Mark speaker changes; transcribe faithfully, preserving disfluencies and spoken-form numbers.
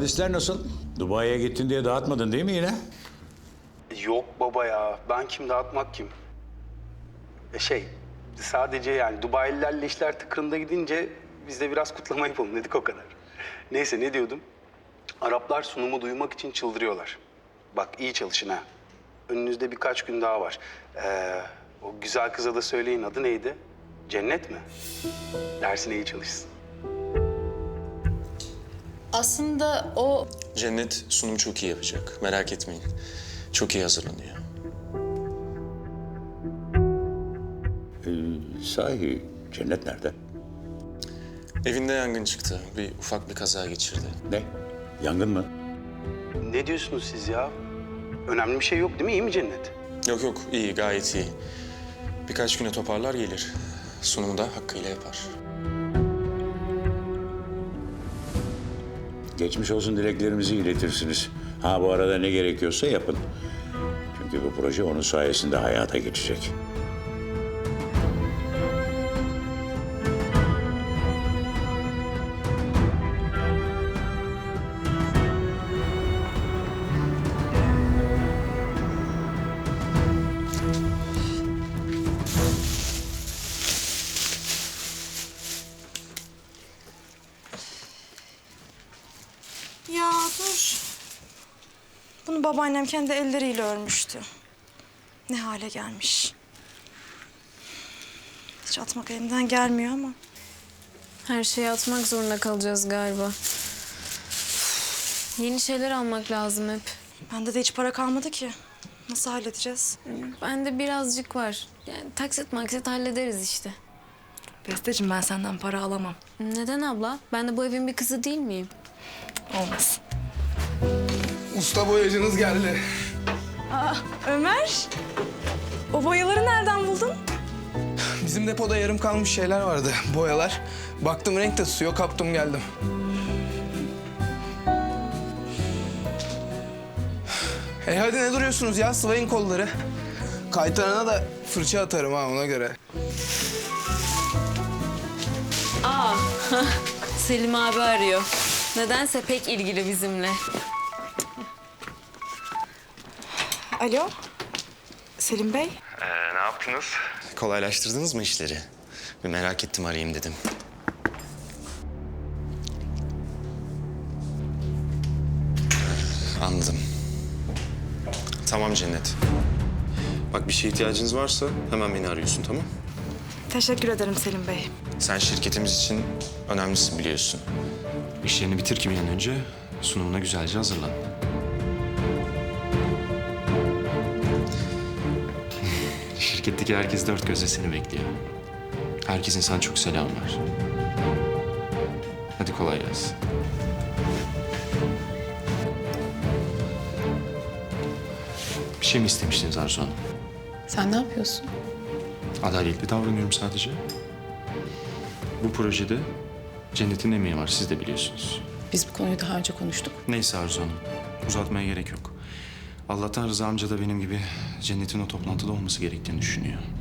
Speaker 1: Havadisler nasıl? Dubai'ye gittin diye dağıtmadın değil mi yine?
Speaker 2: Yok baba ya. Ben kim, dağıtmak kim? E şey, sadece yani Dubai'lilerle işler tıkırında gidince biz de biraz kutlama yapalım dedik, o kadar. Neyse, ne diyordum? Araplar sunumu duymak için çıldırıyorlar. Bak, iyi çalışın ha. Önünüzde birkaç gün daha var. Ee, o güzel kıza da söyleyin, adı neydi? Cennet mi? Dersine iyi çalışsın.
Speaker 3: Aslında o...
Speaker 4: Cennet sunumu çok iyi yapacak. Merak etmeyin. Çok iyi hazırlanıyor.
Speaker 1: Ee, sahi Cennet nerede?
Speaker 4: Evinde yangın çıktı. Bir ufak bir kaza geçirdi.
Speaker 1: Ne? Yangın mı?
Speaker 2: Ne diyorsunuz siz ya? Önemli bir şey yok değil mi? İyi mi Cennet?
Speaker 4: Yok yok, iyi, gayet iyi. Birkaç güne toparlar gelir. Sunumu da hakkıyla yapar.
Speaker 1: Geçmiş olsun dileklerimizi iletirsiniz. Ha bu arada ne gerekiyorsa yapın. Çünkü bu proje onun sayesinde hayata geçecek.
Speaker 5: Ya dur. Bunu babaannem kendi elleriyle örmüştü. Ne hale gelmiş. Hiç atmak elimden gelmiyor ama.
Speaker 3: Her şeyi atmak zorunda kalacağız galiba. Yeni şeyler almak lazım hep.
Speaker 5: Bende de hiç para kalmadı ki. Nasıl halledeceğiz?
Speaker 3: Bende birazcık var. Yani taksit maksit hallederiz işte.
Speaker 5: Besteciğim, ben senden para alamam.
Speaker 3: Neden abla? Ben de bu evin bir kızı değil miyim?
Speaker 5: Olmaz.
Speaker 6: Usta boyacınız geldi.
Speaker 5: Ömer, o boyaları nereden buldun?
Speaker 6: Bizim depoda yarım kalmış şeyler vardı, boyalar. Baktım renk de tutuyor, kaptım geldim. Hey hadi ne duruyorsunuz ya, sıvayın kolları. Kaytanına da fırça atarım ha, ona göre.
Speaker 3: Aa, Selim abi arıyor. Nedense pek ilgili bizimle.
Speaker 5: Alo, Selim Bey.
Speaker 4: Ee, ne yaptınız? Kolaylaştırdınız mı işleri? Bir merak ettim, arayayım dedim. Anladım. Tamam Cennet. Bak, bir şeye ihtiyacınız varsa hemen beni arıyorsun, tamam?
Speaker 5: Teşekkür ederim Selim Bey.
Speaker 4: Sen şirketimiz için önemlisin biliyorsun. İşlerini bitir ki bir an önce sunumuna güzelce hazırlan. Şirketteki herkes dört gözle seni bekliyor. Herkesin sana çok selam var. Hadi kolay gelsin. Bir şey mi istemiştiniz Arzu Hanım?
Speaker 7: Sen ne yapıyorsun?
Speaker 4: Adaletli davranıyorum sadece. Bu projede Cennet'in emeği var, siz de biliyorsunuz.
Speaker 7: Biz bu konuyu daha önce konuştuk.
Speaker 4: Neyse Arzu Hanım, uzatmaya gerek yok. Allah'tan Rıza amca da benim gibi Cennet'in o toplantıda olması gerektiğini düşünüyor.